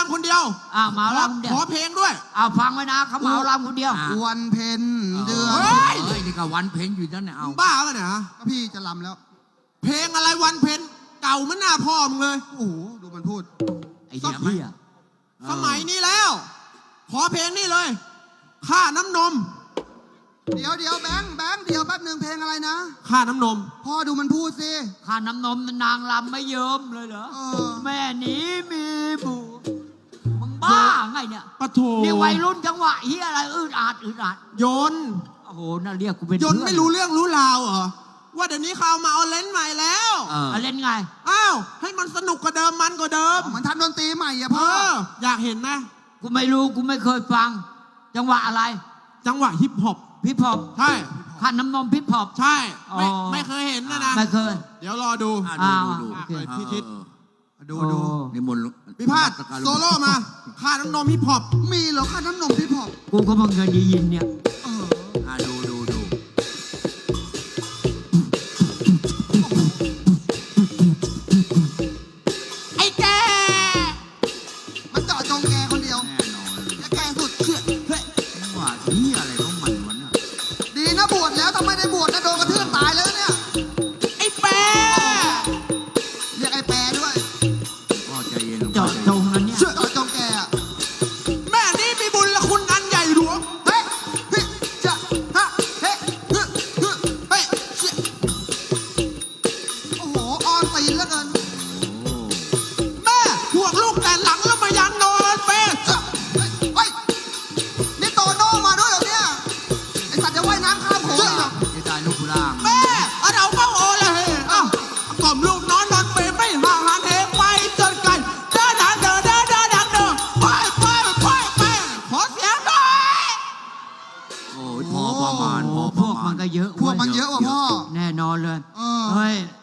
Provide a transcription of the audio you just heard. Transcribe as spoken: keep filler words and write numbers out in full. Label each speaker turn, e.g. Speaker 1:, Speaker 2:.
Speaker 1: ำคนเดียว
Speaker 2: อ่าเหมาลำคนเดียว
Speaker 1: ขอเพลงด้วย
Speaker 2: อ่าฟังไว้นะเขาเหมาลำคนเดียว
Speaker 3: วันเพ็ญเดือน
Speaker 1: เฮ้ย
Speaker 4: เฮ้ยนี่ก็วันเพ็ญอยู่นั่นเนี่ยเอา
Speaker 1: มึงบ้าปะเนี่ยฮะ
Speaker 3: ก็พี่จะลำแล้ว
Speaker 1: เพลงอะไรวันเพ็ญเก่าเหมันหน้าพ่อมึงเลย
Speaker 3: โอ้โหดูมันพูด
Speaker 2: ไอ้เหี้ยเหี้ย
Speaker 1: สมัยนี้แล้ว ขอเพลงนี่เลยค่าน้ำนม
Speaker 3: เดี๋ยวเดี๋ยวแบงค์แบงค์เดี๋ยวแป๊บหนึ่งเพลงอะไรนะ
Speaker 1: ค่าน้ำนม
Speaker 3: พ่อดูมันพูดสิ
Speaker 2: ค่าน้ำนมนางลำไม่เยิ้มเลยเหรอ
Speaker 3: เออ
Speaker 2: แม่นี้มีบุตรมึงบ้าไงเนี่ย
Speaker 1: ปะโถ
Speaker 2: นี่วัยรุ่นจังหวะเฮียอะไรอืดอาดอืดอาด
Speaker 1: โยน
Speaker 2: โอ้โหน่าเรียกกูเป็น
Speaker 1: ยนต์
Speaker 2: เพื่อน
Speaker 1: ไม่รู้เรื่องรู้ราวเหรอว่าเดี๋ยวนี้เขาเอามาเอาเลนส์ใหม่แล้ว
Speaker 4: เออ
Speaker 2: เอาเล่นไง
Speaker 1: อ้าวให้มันสนุกกว่าเดิมมันกว่าเดิม
Speaker 3: เหมือนทำดนตรีใหม่อะ
Speaker 1: เอ
Speaker 3: พ่อ
Speaker 1: ออยากเห็นไหม
Speaker 2: กูไม่รู้กูไม่เคยฟัง จังหวะอะไร
Speaker 1: จังหวะฮิปฮอป
Speaker 2: พิพอบ
Speaker 1: ใช่
Speaker 2: ค่าน้ำนมพิพอบ
Speaker 1: ใช่ไม่
Speaker 2: อ๋อ
Speaker 1: ไม่เคยเห็นนะนะ
Speaker 2: ไม่เคย
Speaker 1: เดี๋ยวรอดู
Speaker 4: อ่ะ
Speaker 2: อ่า
Speaker 4: ดูดู
Speaker 1: โอเค
Speaker 4: เออ
Speaker 1: พี่ทิศ
Speaker 4: เออ
Speaker 3: ดู
Speaker 2: โอ้
Speaker 3: ดู
Speaker 4: นิมนต์
Speaker 1: พิพาทโซโล่มาค่าน้ำนมฮิปฮอป
Speaker 3: มีเหรอค่าน้ำนมพี่พอ
Speaker 2: กูก็เพิ่งเคยได้ยินเนี่ย
Speaker 3: เออ
Speaker 4: อ่ะดูดูดู
Speaker 1: ไอ้แก
Speaker 3: มันเจาะจงแกคนเดียว
Speaker 4: แน่นอนเลย
Speaker 3: และแกสุดเชื่อเฮ้ย
Speaker 4: ว่าที่อะไรของมันวะเนี่ย
Speaker 3: ดีนะบวชแล้วถ้าไม่ได้บวชนะโดนกระเทือนตายแล้วเนี่ย
Speaker 1: ไอ้แปร
Speaker 3: เรียกไอ้แปรด้วย
Speaker 4: พ่อใจเย็นลง
Speaker 2: เจาะจงนั้นเนี่ย
Speaker 3: เชื่อเจาะจงแกอะ
Speaker 1: แม่นี่มีบุญละคุณอันใหญ่หลวง
Speaker 3: เฮ้ยเฮ้ยจะฮะเฮ้ยเฮ้ยเฮ้ยเฮ้ยเชี่ยโอ้โหออนตีนเหลือเกิน
Speaker 4: โอ้
Speaker 1: แม่ห่วงลูกแต่หลังแล้วมายันนอนเป้
Speaker 3: เจ้าเฮ้ยเฮ้ยนี่โตโน่มาด้วยเหรอเนี่ยไอสัตว์จะว่ายน้ำข้ามโขงอีกเหรอ
Speaker 4: จะได้ลูกล่าง
Speaker 1: แม่เอาเราก็โอเลยอ้าวกล่อมลูกนอนนอนเปไม่ห่างหันเหไปจนไกลเดินทางเดินเดินเดินทางเดินไปไปไปไปขอเสียงหน่อย
Speaker 4: โอ้ยพอประมาณพอ
Speaker 2: พ
Speaker 4: ประ
Speaker 2: วก
Speaker 4: มา
Speaker 2: มั
Speaker 4: ณ
Speaker 2: นก็เยอะ
Speaker 3: พวก
Speaker 2: เว้ย
Speaker 3: มันเยอะว่ะพ่อ
Speaker 2: แน่นอนเลย
Speaker 3: เออ
Speaker 2: เฮ้ย